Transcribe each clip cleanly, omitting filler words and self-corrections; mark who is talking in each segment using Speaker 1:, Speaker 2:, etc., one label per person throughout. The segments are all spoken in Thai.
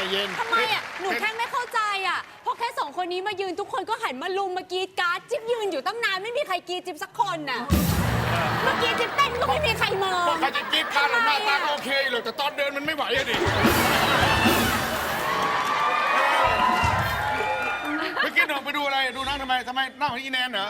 Speaker 1: เย็น
Speaker 2: ทำไมอ่ะหนูแค่ไม่เข้าใจอ่ะเพราะแค่สองคนนี้มายืนทุกคนก็หันมาลุมมากรีดกราร์ดจิ๊บยืนอยู่ตั้งนานไม่มีใครกรีดจิ๊บสักคนน่ะเมื่อกี้จิ๊บเต้นก็ไม่มีใครมอง
Speaker 1: ใครจะกรีดการหน้าตาโอเคหรอกแต่ตอนเดินมันไม่ไหวอะดิเมื่อกี้หนูไปดูอะไรดูนั่งทำไมนั่งของอีแนนเหรอ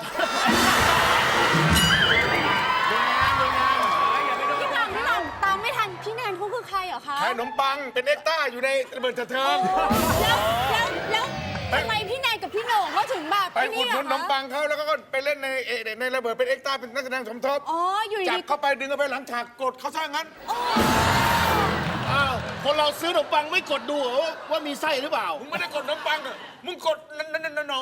Speaker 2: พี่หม่ำตามไม่ทันพี่แนนเขาคือใครเหรอคะ
Speaker 1: ขายขนมปังเป็นเอ็กต้าอยู่ในระเบิดเทิง
Speaker 2: แล้วทำไมพี่แนนกับพี่โหน่งเขาถึงแบบ
Speaker 1: ไปอุดหนุนขนมปังเขาแล้วก็ไปเล่นในระเบิดเป็นเอ็กต้าเป็นนักแสดงสมทบ
Speaker 2: อยู่ดี
Speaker 1: จับเข้าไปดึงเข้าไปหลังฉากกดเขาซะงั้น
Speaker 3: อ้าวคนเราซื้อขนมปังไม่กดดูเหรอว่ามีไส้หรือเปล่า
Speaker 1: มึงไม่ได้กดขนมปังอ่ะมึงกดนั่น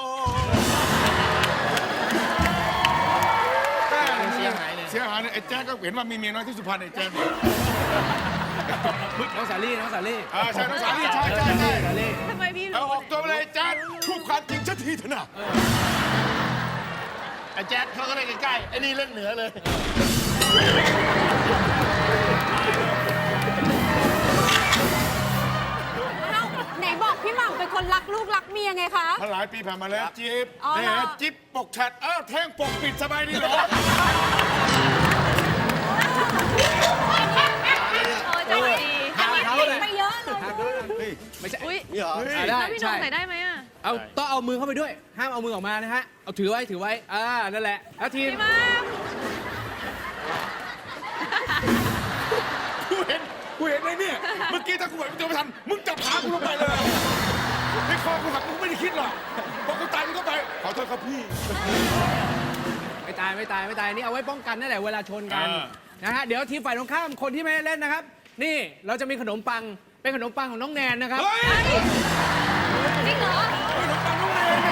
Speaker 1: เสียหายเนี่ยไอ้แจ๊กก็เห็นว่ามีเมียน้อยที่สุพรรณไอ้แจ๊ก
Speaker 4: น้องสาลี่
Speaker 1: ใช่น้องสาลี่ใช่
Speaker 2: ทำไมพี่
Speaker 1: เอาออกตัวไปเลยแจ๊กพูดความจริงสักทีเถอะนะ
Speaker 3: ไอ้แจ๊ดเขาก็เล่นใกล้ๆไอ้นี่เล่นเหนือเลย
Speaker 2: ไหนบอกพี่หม่ำเป็นคนรักลูกรักเมียไงคะ
Speaker 1: หลายปีผ่านมาแล้วจิ๊บจิ๊บปกฉัดแท่งปกปิดสบายดีเหรอ
Speaker 2: ใจดีไปเยอะเลย
Speaker 4: ไม่ใช่
Speaker 3: นี่เหรอ
Speaker 4: ได้
Speaker 2: พี่น้องใส่ได้ไหมอ่ะ
Speaker 4: ต้องเอามือเข้าไปด้วยห้ามเอามือออกมานะฮะเอาถือไว้นั่นแหละแล้วทีม
Speaker 1: กูเห็นไอ้เนี่ยเมื่อกี้ถ้ากูไหวมึงจะไม่ทันมึงจับขากูลงไปเลยในคอกูหักมึงไม่ได้คิดหรอกพอกูตายมึงก็ไปขอโทษครับพี่
Speaker 4: ไม่ตายนี่เอาไว้ป้องกันนั่นแหละเวลาชนกันนะฮะเดี๋ยวทีมฝ่ายตรงข้ามคนที่ไม่ได้เล่นนะครับนี่เราจะมีขนมปังเป็นขนมปังของน้องแนนนะครับ
Speaker 2: จริงเหรอ
Speaker 1: ขนมปังน้องแนน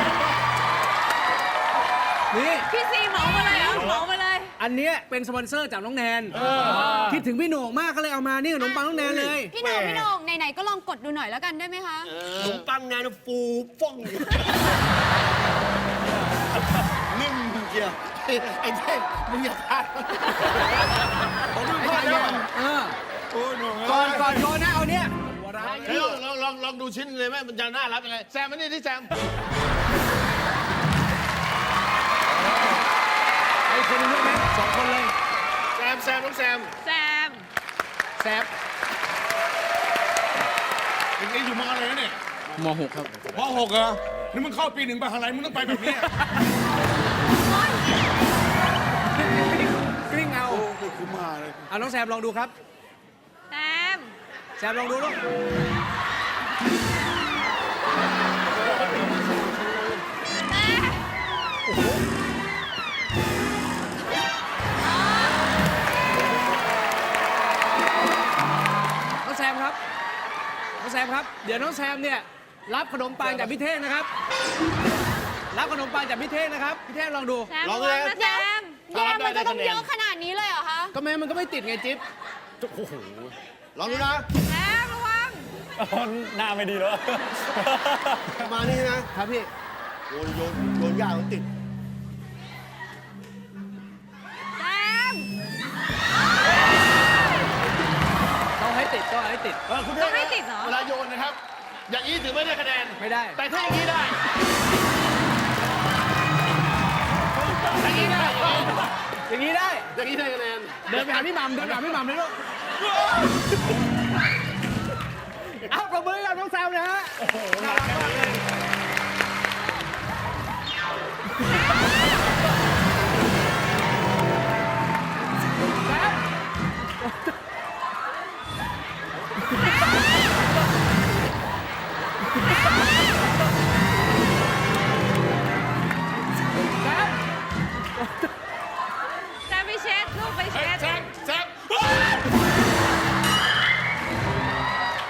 Speaker 4: นี่
Speaker 2: พี่ซีเหมามาเลยเหมามาเลย
Speaker 4: อันนี้เป็นสปอนเซอร์จากน้องแนนคิดถึงพี่โหน่งมากก็เลยเอามานี่ขนมปังน้องแนนเลย
Speaker 2: พี่โหน่งไหนๆก็ลองกดดูหน่อยแล้วกันได้ไหมคะ
Speaker 3: ขนมปังแนนฟูฟ่องนิ่มเกียวไอ้เท่มึงอย่าพลาด
Speaker 1: ผมมึงพลาดแล้ว
Speaker 4: โอ้โหก่อนโยนนะเอาเนี่ย
Speaker 3: ลองดูชิ้นเลยไหมมันจะน่ารักยังไงแซมมานี่ที่แซม
Speaker 4: ไอ้คนนึงด้วยไหมสองคนเลย
Speaker 3: แซมน้องแซม
Speaker 1: นี่อยู่ม.อะไรนะเนี่ย
Speaker 4: ม.6 ครับ
Speaker 1: ม.6 เหรอนี่มึงเข้าปี 1ไปทางไหนมึงต้องไปแบบนี้
Speaker 4: กลิ้งเอา
Speaker 1: กูมาเลย
Speaker 4: เอาน้องแซมลองดูครับแซมลองดูลูกน้องแซมครับเดี๋ยวน้องแซมเนี่ยรับขนมปังจากพี่เท่งนะครับรับขนมปังจากพี่เท่งนะครับพี่เท่งลองดู
Speaker 3: ลองเลย
Speaker 2: แซมมันจะต้องเยอะขนาดนี้เลยเหรอคะ
Speaker 4: ก็แม้มันก็ไม่ติดไงจิ๊บ
Speaker 3: โอ้โหลองดูนะ
Speaker 2: แซมระวัง
Speaker 5: หน้าไม่ดีแล้ว
Speaker 3: มานี่นะครับ
Speaker 4: พี่
Speaker 3: โยนยากติด
Speaker 2: แซม
Speaker 4: ต้องให้ติด
Speaker 2: ต้องให้ติดเหรอ
Speaker 3: เวลาโยนนะครับอย่างนี้ถือไม่ได้คะแนน
Speaker 4: ไม่ได้
Speaker 3: แต่ถ้าอย่างนี้ได้อย่างนี้ได้คะแนน
Speaker 4: เดินไปหาพี่หม่ำเลยลูกเอาประมือกับน้องแซมนะฮะ